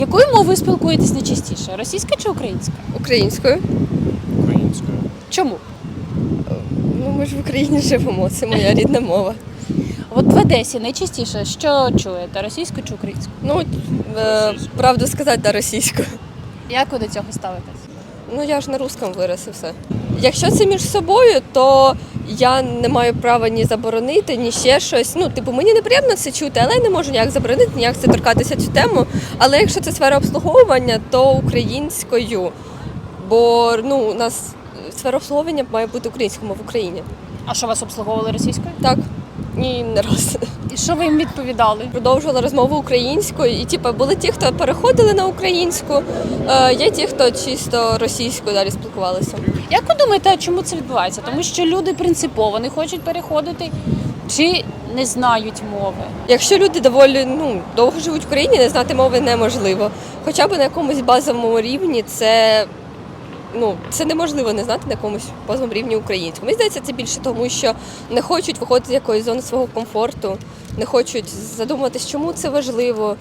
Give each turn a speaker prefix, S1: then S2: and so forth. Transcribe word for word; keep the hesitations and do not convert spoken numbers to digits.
S1: Якою мовою спілкуєтесь найчастіше? Російська чи українська?
S2: Українською.
S3: Українською.
S1: Чому?
S2: Ну, ми ж в Україні живемо, це моя рідна мова.
S1: От в Одесі найчастіше що чуєте? Російську чи українську?
S2: Ну, е, правду сказати, да, російською.
S1: Як ви до цього ставитесь?
S2: Ну, я ж на русском вирос і все. Якщо це між собою, то я не маю права ні заборонити, ні ще щось. Ну, типу, мені неприємно це чути, але я не можу ніяк заборонити, ніяк це торкатися цю тему. Але якщо це сфера обслуговування, то українською. Бо ну, у нас сфера обслуговування має бути українською мовою в Україні.
S1: А що вас обслуговували російською?
S2: Так, ні, не раз.
S1: І що ви їм відповідали?
S2: Продовжувала розмову українською, і типу, були ті, хто переходили на українську, е, є ті, хто чисто російською далі спілкувалися.
S1: Як ви думаєте, чому це відбувається? Тому що люди принципово не хочуть переходити чи не знають мови?
S2: Якщо люди доволі ну, довго живуть в країні, не знати мови неможливо. Хоча б на якомусь базовому рівні це, ну, це неможливо не знати на якомусь базовому рівні українську. Мені здається, це більше тому, що не хочуть виходити з якоїсь зони свого комфорту, не хочуть задумуватись, чому це важливо.